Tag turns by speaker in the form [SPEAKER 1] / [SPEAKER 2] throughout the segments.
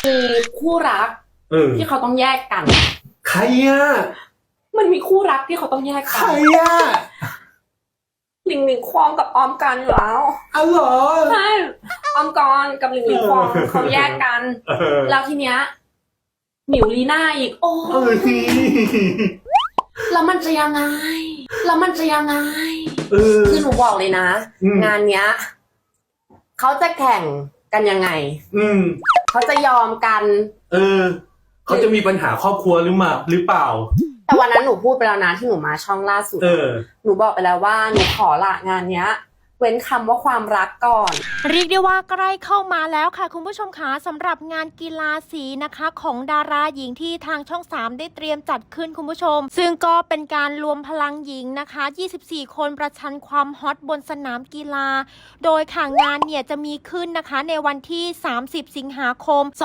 [SPEAKER 1] มีคู่รักที่เขาต้องแยกกัน
[SPEAKER 2] ใครอ่ะ
[SPEAKER 1] มันมีคู่รักที่เขาต้องแยก
[SPEAKER 2] ใค
[SPEAKER 1] กั
[SPEAKER 2] ร
[SPEAKER 1] น
[SPEAKER 2] อ่ะ
[SPEAKER 1] หลิงหลิงควองกับออมกันอยู่แล้ว
[SPEAKER 2] อ๋อเหรอ
[SPEAKER 1] ใช่ออมกรกับหลิงหลิงควองเขาแยกกันแล้วทีเนี้ยหมิวลีน่าอีกโอ้แล้วมันจะยังไงคือหนูบอกเลยนะงานเนี้ยเขาจะแข่งกันยังไงเขาจะยอมกัน
[SPEAKER 2] เขาจะมีปัญหาครอบครัวหรือเปล่า
[SPEAKER 1] แต่วันนั้นหนูพูดไปแล้วนะที่หนูมาช่องล่าสุดหนูบอกไปแล้วว่าหนูขอละงานเนี้ยเว้นคำว่าความรักก่อน
[SPEAKER 3] เรียกได้ว่าใกล้เข้ามาแล้วค่ะคุณผู้ชมคะสำหรับงานกีฬาสีนะคะของดาราหญิงที่ทางช่อง 3ได้เตรียมจัดขึ้นคุณผู้ชมซึ่งก็เป็นการรวมพลังหญิงนะคะ24คนประชันความฮอตบนสนามกีฬาโดยค่ะงานเนี่ยจะมีขึ้นนะคะในวันที่30สิงหาคม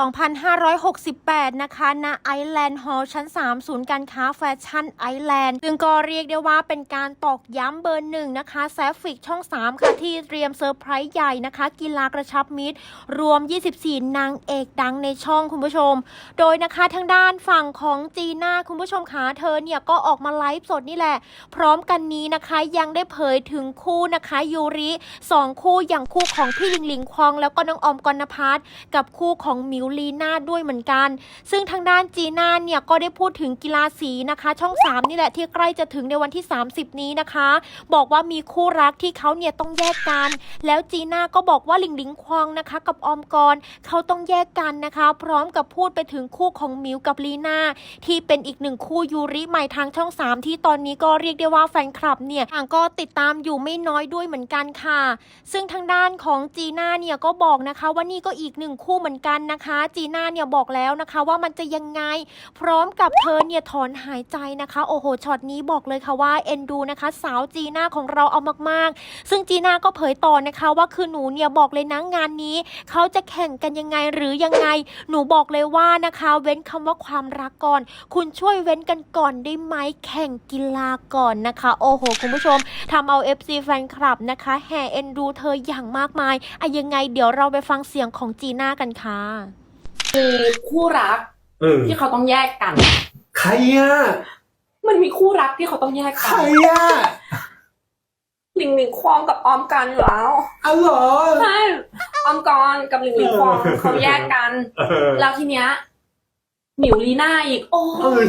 [SPEAKER 3] 2568นะคะณไอแลนด์ฮอลล์ชั้น3ศูนย์การค้าแฟชั่นไอแลนด์ซึ่งก็เรียกได้ว่าเป็นการตอกย้ำเบอร์1นะคะแซฟฟิกช่อง3ค่ะที่เตรียมเซอร์ไพรส์ใหญ่นะคะกีฬากระชับมิตรรวม24นางเอกดังในช่องคุณผู้ชมโดยนะคะทางด้านฝั่งของจีน่าคุณผู้ชมคะเธอเนี่ยก็ออกมาไลฟ์สดนี่แหละพร้อมกันนี้นะคะยังได้เผยถึงคู่นะคะยูริ2คู่อย่างคู่ของพี่หลิงหลิงควองแล้วก็น้องออมกนภัทรกับคู่ของมิวลีน่าด้วยเหมือนกันซึ่งทางด้านจีน่าเนี่ยก็ได้พูดถึงกีฬาสีนะคะช่อง3นี่แหละที่ใกล้จะถึงในวันที่30นี้นะคะบอกว่ามีคู่รักที่เขาเนี่ยต้องแยกกันแล้วจีน่าก็บอกว่าหลิงหลิงควองนะคะกับออมกรเขาต้องแยกกันนะคะพร้อมกับพูดไปถึงคู่ของมิวกับลีน่าที่เป็นอีกหนึ่งคู่ยูริใหม่ทางช่อง3ที่ตอนนี้ก็เรียกได้ว่าแฟนคลับเนี่ยต่างก็ติดตามอยู่ไม่น้อยด้วยเหมือนกันค่ะซึ่งทางด้านของจีน่าเนี่ยก็บอกนะคะว่านี่ก็อีกหนึ่งคู่เหมือนกันนะคะจีน่าเนี่ยบอกแล้วนะคะว่ามันจะยังไงพร้อมกับเธอเนี่ยถอนหายใจนะคะโอ้โหช็อตนี้บอกเลยค่ะว่าเอ็นดูนะคะสาวจีน่าของเราเอามากๆซึ่งจีน่าก็เผยต่อนะคะว่าคือหนูเนี่ยบอกเลยนะงานนี้เขาจะแข่งกันยังไงหรือยังไงหนูบอกเลยว่านะคะเว้นคำว่าความรักก่อนคุณช่วยเว้นกันก่อนได้ไหมแข่งกีฬาก่อนนะคะโอ้โหคุณผู้ชมทำเอา FC แฟนคลับนะคะแห่เอ็นดูเธออย่างมากมายยังไงเดี๋ยวเราไปฟังเสียงของจีน่ากันค่ะ
[SPEAKER 1] มีคู่รักที่เขาต้องแยกกัน
[SPEAKER 2] ใครอ่ะ
[SPEAKER 1] มันมีคู่รักที่เขาต้องแยกกัน
[SPEAKER 2] ใครอ่ะ
[SPEAKER 1] หลิงหลิงควองกับออมกันอยู่แล้ว
[SPEAKER 2] อ๋อเหรอ
[SPEAKER 1] ใช่ออมกรกับหลิงหลิงควองเขาแยกกันแล้วทีเนี้ยหมิวลีน่าอีกโอ้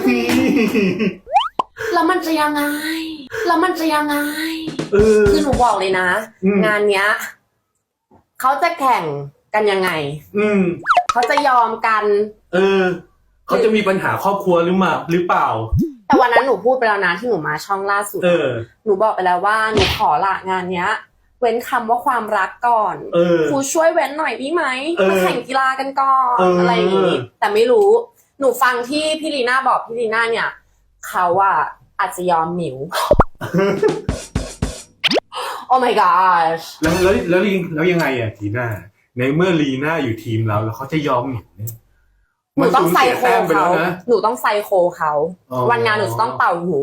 [SPEAKER 1] แล้วมันจะยังไงคือหนูบอกเลยนะงานเนี้ยเขาจะแข่งกันยังไงเขาจะยอมกัน
[SPEAKER 2] เขาจะมีปัญหาครอบครัวหรือเปล่า
[SPEAKER 1] แต่วันนั้นหนูพูดไปแล้วนะที่หนูมาช่องล่าสุดหนูบอกไปแล้วว่าหนูขอละงานเนี้ยเว้นคำว่าความรักก่อนครูช่วยเว้นหน่อยได้ไหมมาแข่งกีฬากันก่อนอะไรอย่างนี้แต่ไม่รู้หนูฟังที่พี่ลีน่าบอกพี่ลีน่าเนี่ยเขาอะอาจจะยอมหมิว โอ้ my gosh
[SPEAKER 2] แล้วยังไงอะทีน่าในเมื่อลีน่าอยู่ทีมเราแล้วเขาจะยอมหมิวเนี่ย
[SPEAKER 1] หนูต้องไซโคเขาวันงานหนูจะต้องเป่าหู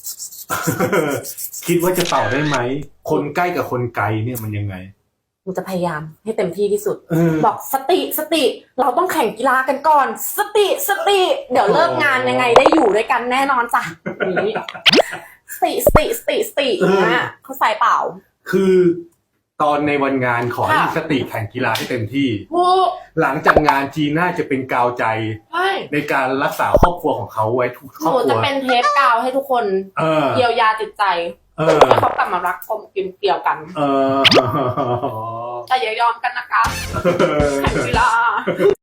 [SPEAKER 2] คิดว่าจะเป่าได้ไหมคนใกล้กับคนไกลเนี่ยมันยังไง
[SPEAKER 1] หนูจะพยายามให้เต็มที่ที่สุดบอกสติเราต้องแข่งกีฬากันก่อนสติเดี๋ยวเลิกงานยังไงได้อยู่ด้วยกันแน่นอนจ้ะนี้สตินะเขาใส่เป่า
[SPEAKER 2] คือตอนในวันงานขอให้มีสติแข่งกีฬาให้เต็มที่หลังจากงานจีน่าจะเป็นกาวใจในการรักษาครอบครัวของเขาไว้ทุกครอบครัว
[SPEAKER 1] หนูจะเป็นเทปกาวให้ทุกคนเยียวยาจิตใจให้เขากลับมารักกลมเกลียวกันแต่อย่ายอมกันนะคะแข่งกีฬา